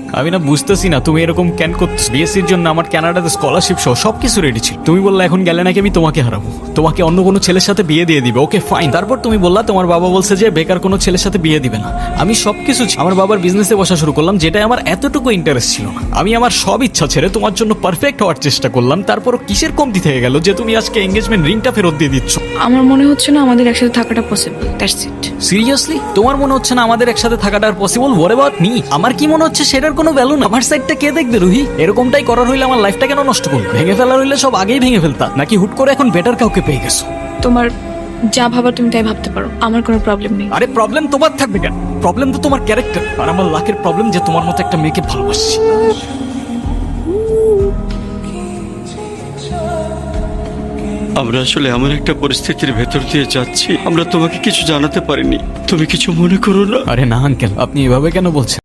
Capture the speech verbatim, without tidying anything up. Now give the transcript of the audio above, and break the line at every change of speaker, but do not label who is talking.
আমি না বুঝতেছি না তুমি এরকম কেন করছো। বিএসসির জন্য আমার কানাডাতে স্কলারশিপ সহ সবকিছু রেডি ছিল। তুমি বললা এখন গেলে নাকি আমি তোমাকে হারাবো, তোমাকে অন্য কোনো ছেলের সাথে বিয়ে দিয়ে দিবে। Okay fine. তারপর তুমি বললা তোমার বাবা বলছে যে বেকার কোনো ছেলের সাথে বিয়ে দিবে না। আমি সবকিছু আমার বাবার বিজনেসে বসা শুরু করলাম, যেটা আমার এতটুকু ইন্টারেস্ট ছিল না। আমি আমার সব ইচ্ছা ছেড়ে তোমার জন্য পারফেক্ট হওয়ার চেষ্টা করলাম। তারপর কিসের কমতি থেকে গেল যে তুমি আজকে এঙ্গেজমেন্ট রিংটা ফেরত দিয়ে দিচ্ছ?
আমার মনে হচ্ছে না আমাদের একসাথে থাকাটা পসিবল, দ্যাটস ইট।
সিরিয়াসলি তোমার মনে হচ্ছে না আমাদের একসাথে থাকাটা আর পসিবল? What about me? আমার কি মনে হচ্ছে সেটার কোনো ভ্যালু না? আমার সাইডটা কে দেখবে রুহি? এরকমটাই করার হইলে আমার লাইফটা কেন নষ্ট করবে? ভেঙে ফেলার হইলে সব আগেই ভেঙে ফেলতা, নাকি হুট করে এখন বেটার কাউকে পেয়ে গেছো?
তোমার যা ভাবার তুমি তাই ভাবতে পারো, আমার কোনো প্রবলেম নেই।
আরে প্রবলেম তোমার থাকবে কেন? প্রবলেম তো তোমার ক্যারেক্টার। আর আমার লাখের প্রবলেম যে তোমার মতো একটা মেয়েকে ভালোবাসছি।
আমরা আসলে এমন একটা পরিস্থিতির ভেতর দিয়ে যাচ্ছি, আমরা তোমাকে কিছু জানাতে পারিনি, তুমি কিছু মনে করো না।
আরে না আঙ্কেল, আপনি এভাবে কেন বলছেন?